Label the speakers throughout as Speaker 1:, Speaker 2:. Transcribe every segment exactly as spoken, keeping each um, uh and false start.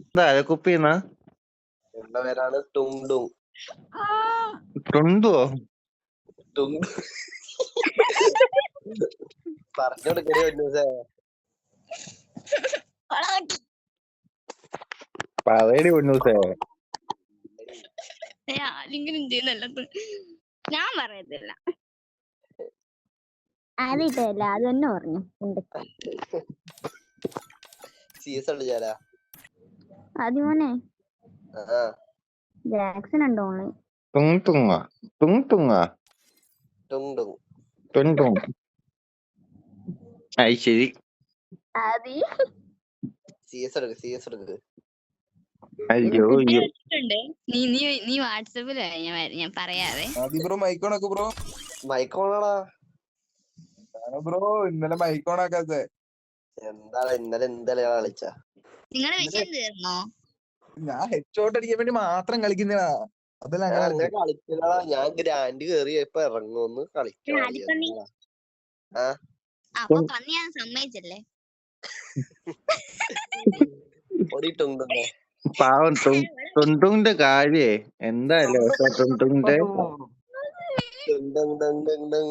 Speaker 1: അരക്കുപ്പിന്നാ
Speaker 2: എന്റെ പേരാണ് ടുങ്ടുങ്.
Speaker 1: ടുണ്ടുവോ?
Speaker 2: ടുങ് പറഞ്ഞോടുക്കണേ പൊന്നൂസേ.
Speaker 1: പറയടി പൊന്നൂസേ.
Speaker 3: ആരെങ്കിലും ചെയ്യുന്നല്ല ഞാൻ പറയത്തില്ല.
Speaker 4: അതിട്ടല്ല അത് തന്നെ പറഞ്ഞു.
Speaker 2: സി എസ് കളിച്ചാലാ
Speaker 4: അതിമോനെ
Speaker 2: ആ
Speaker 4: ജാക്സൺ ഉണ്ടോ ഓൺലൈൻ?
Speaker 1: തുങ് തുങ്ങ തുങ് തുങ്ങ
Speaker 2: ടുങ്ടുങ്
Speaker 1: തുങ് തുങ്. അത് ശരി.
Speaker 4: ആദി
Speaker 2: സി എസ് എടുക്ക് സി എസ് എടുക്ക്.
Speaker 1: അയ്യോ
Speaker 3: കുട്ടി
Speaker 1: അയ്യോ.
Speaker 3: വെച്ചിട്ടുണ്ട്. നീ നീ നീ വാട്സപ്പിൽ ഞാൻ വര- ഞാൻ പറയാതെ.
Speaker 5: ആദി ബ്രോ മൈക്കോണാക്ക് ബ്രോ.
Speaker 2: മൈക്കോണാടാ.
Speaker 5: ബ്രോ ഇന്നലെ മൈക്കോണാക്കാത്തെ
Speaker 2: എന്താണ് ഇന്നലെ എന്തെല്ലാം കളിച്ച?
Speaker 3: നിങ്ങളുടെ വിഷയം തീർന്നോ?
Speaker 5: ഞാൻ ഹെഡ്ഷോട്ട് അടിക്കാൻ വേണ്ടി മാത്രം കളിക്കുന്നതാ. അതല്ല
Speaker 2: ഞാൻ
Speaker 5: അങ്ങനെ
Speaker 2: അങ്ങനെ കളിക്കലടാ. ഞാൻ ഗ്രാൻഡ് കേറി ഇപ്പൊ ഇറങ്ങുമെന്ന് കളിക്കണം.
Speaker 3: അടിപ്പന്നി.
Speaker 2: ആ
Speaker 3: അപ്പൊ പന്നി ഞാൻ സമ്മതിച്ചല്ലേ?
Speaker 2: പൊടി ടുങ്ടുങ്ങേ.
Speaker 1: പാവം ടുണ്ടുങ്ങിന്റെ കാര്യേ എന്തായാലും ടുണ്ടുങ്ങിന്റെ
Speaker 2: ടുങ്ടുങ് ടുങ് ടുങ് ടുങ്.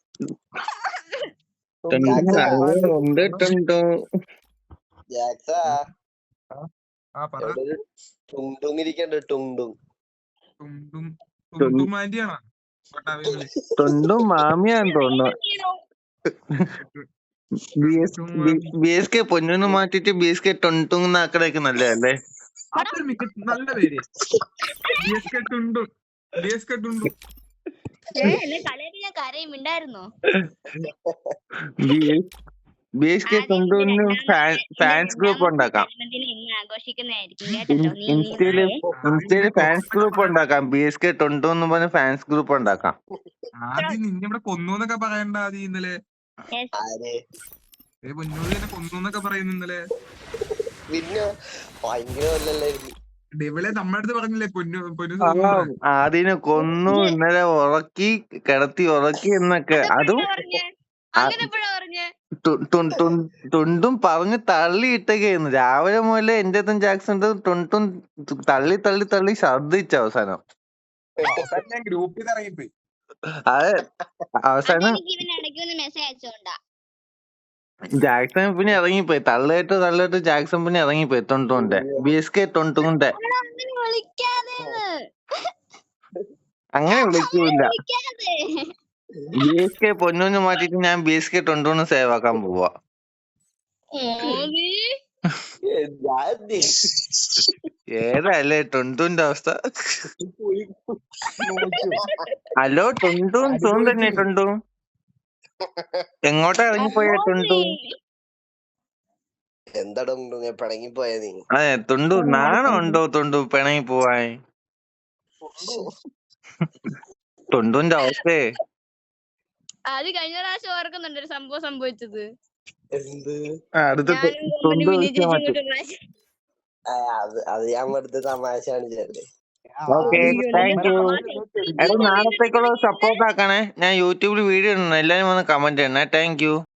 Speaker 1: ഉണ്ട് ടുണ്ടു.
Speaker 2: ജാക്സാ
Speaker 5: ആ പറ.
Speaker 2: എവിടെ ഒരു ടുങ്ടുങ് ഇരിക്കണ്ട്. ടുങ്ടുങ്
Speaker 5: തുണ്ടുമാന്റിയാണോ?
Speaker 1: ടുണ്ടും മാമിയാന്ന് തോന്നുന്നു. ബി എസ് കെ പൊന്നു മാറ്റിട്ട് ബി എസ് കെ ടുണ്ടുങ് ആക്കണേക്ക് നല്ലതല്ലേ?
Speaker 5: അതൊരു മികച്ച നല്ല പേര്. B S K Tundu B S K Tundu.
Speaker 3: എന്നെ കളിയാക്കി ഞാൻ കരയും ഉണ്ടായിരുന്നോ?
Speaker 1: ബി എസ് കെ ടുണ്ടുവിന് ഫാൻസ് ഗ്രൂപ്പ് ഉണ്ടാക്കാം.
Speaker 3: ആഘോഷിക്കുന്നതായിരിക്കും കേട്ടോ. നീ
Speaker 1: ഇൻസ്റ്റയില് ഇൻസ്റ്റയില് ഫാൻസ് ഗ്രൂപ്പ് ഉണ്ടാക്കാം. ബി എസ് കെ ടുണ്ടു എന്ന് പറഞ്ഞ ഫാൻസ് ഗ്രൂപ്പ് ഉണ്ടാക്കാം.
Speaker 5: ആദ്യം നിന്നെ ഇവിടെ കൊന്നു എന്നൊക്കെ പറയണ്ട. ആദ്യം ഇന്നലെ
Speaker 2: ആര്
Speaker 5: ഏ പൊന്നൂര് എന്നെ കൊന്നു എന്നൊക്കെ പറയുന്നു ഇന്നലെ.
Speaker 2: പിന്നെ ഭയങ്കര കൊല്ലല്ലായിരുന്നു.
Speaker 5: ഇവളെ നമ്മുടെ അടുത്ത് പറഞ്ഞില്ലേ പൊന്നു പൊന്നു
Speaker 1: അതിനെ കൊന്നു ഇന്നലെ ഉറക്കി കിടത്തി ഉറക്കി എന്നൊക്കെ. അതും
Speaker 3: അങ്ങനെ എപ്പോഴാ പറഞ്ഞേ?
Speaker 1: ടുണ്ടും പറഞ്ഞ് തള്ളിയിട്ടൊക്കെയായിരുന്നു. രാവിലെ മുതലേ എന്റെ അടുത്തും ജാക്സൺ ടുണ്ടും തള്ളി തള്ളി തള്ളി ഛർദിച്ച അവസാനം.
Speaker 5: ഞാൻ ഗ്രൂപ്പിൽ നിന്ന് ഇറങ്ങിപ്പോയി.
Speaker 1: അത് അവസാനം
Speaker 3: മെസ്സേജ് അയച്ചോണ്ടാ
Speaker 1: ജാക്സൺ പിന്നെ ഇറങ്ങിപ്പോയി. തള്ളിയിട്ട് തള്ളിയിട്ട് ജാക്സൺ പിന്നെ ഇറങ്ങിപ്പോയി. തൊണ്ടുണ്ട് ബി എസ് കെ തൊണ്ടുണ്ട്. അങ്ങനെ വിളിക്കൂല. ബി എസ് കെ പൊന്നൂന്ന് മാറ്റിട്ട് ഞാൻ ബി എസ് കെ തൊണ്ടൂന്ന് സേവ് ആക്കാൻ പോവാ. ഏതല്ലേ ടുണ്ടുന്റെ അവസ്ഥ? ഹലോ ടുണ്ടും സോൺ തന്നെ. ടുണ്ടു എങ്ങോട്ടാ ഇറങ്ങിപ്പോയ? ടുണ്ടു
Speaker 2: എന്താ ടുങ്ടുങ് പിണങ്ങി പോയ നീ?
Speaker 1: അതെ ടുണ്ടു നാണം ഉണ്ടോ? ടുണ്ടു പിണങ്ങി പോവാൻ. ടുണ്ടുന്റെ അവസ്ഥയെ
Speaker 3: അത് കഴിഞ്ഞ പ്രാവശ്യം ഓർക്കുന്നുണ്ട് ഒരു സംഭവം സംഭവിച്ചത്.
Speaker 2: എന്ത്?
Speaker 1: അടുത്ത ടുണ്ടു മാറ്റി.
Speaker 2: അത് ഞാൻ എടുത്ത് തമാശ കാണിച്ചല്ലേ.
Speaker 1: Okay thank you. എടാ നാളത്തേക്കുള്ള സപ്പോർട്ട് ആക്കണേ. ഞാൻ യൂട്യൂബിൽ വീഡിയോ ഇടണം. എല്ലാരും വന്ന് കമന്റ് ചെയ്യണേ. Thank U.